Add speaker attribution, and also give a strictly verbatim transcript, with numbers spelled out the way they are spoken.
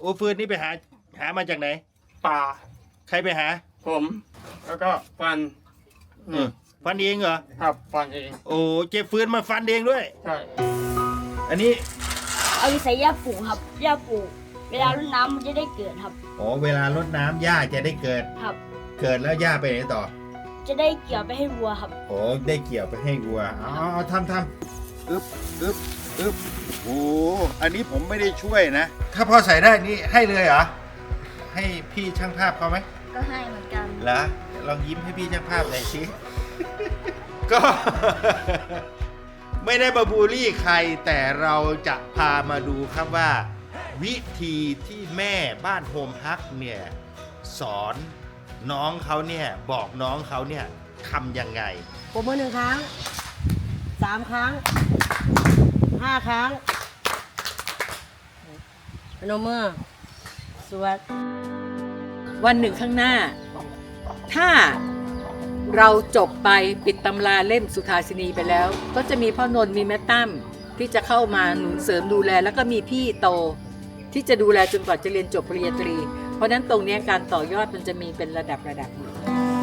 Speaker 1: อ้ฟืนนี่ไปหาหามาจากไหน
Speaker 2: ป่า
Speaker 1: ใครไปหา
Speaker 2: ผม แล้วก็ฟัน
Speaker 1: เออฟันเองเหรอ
Speaker 2: ครับฟันเอง
Speaker 1: โอ้เก็บฟืนมาฟันเองด้วย
Speaker 2: ใช่
Speaker 1: อันนี้
Speaker 3: เอาไปใส่หญ้าปลูกครับหญ้าปลูกเวลารดน้ำมันจะได้เกิดครับ
Speaker 1: อ๋อเวลารดน้ำหญ้าจะได้เกิด
Speaker 3: ครับ
Speaker 1: เกิดแล้วหญ้าไปไหนต่อ
Speaker 3: จะได้เกี่ยวไปให้วัวครับ
Speaker 1: โอ้ได้เกี่ยวไปให้วัวอ๋อทำทำอึบอึบอึบโอ้อันนี้ผมไม่ได้ช่วยนะ ถ้าพอใส่ได้นี่ให้เลยเหรอ ให้พี่ช่างภาพเขาไหม
Speaker 3: ก็ให้เหมือนกัน
Speaker 1: เหรอลองยิ้มให้พี่ช่างภาพหน่อยสิ ก็ ไม่ได้มาบูลลี่ใครแต่เราจะพามาดูครับว่า วิธีที่แม่บ้านโฮมฮักเนี่ยสอนน้องเขาเนี่ยบอกน้องเขาเนี่ยทำยังไง
Speaker 4: ปรบมือหนึ่งครั้งสามครั้งห้าครั้งพนมมือสวด
Speaker 5: วันหนึ่งข้างหน้า ถ้าเราจบไปปิดตำราเล่มสุทาสินีไปแล้ว ก็จะมีพ่อนนท์มีแม่ตั้มที่จะเข้ามาหนุนเสริมดูแล แล้วก็มีพี่โตที่จะดูแลจนกว่าจะเรียนจบปริญญาตรี เพราะฉะนั้นตรงนี้การต่อยอดมันจะมีเป็นระดับระดับอยู่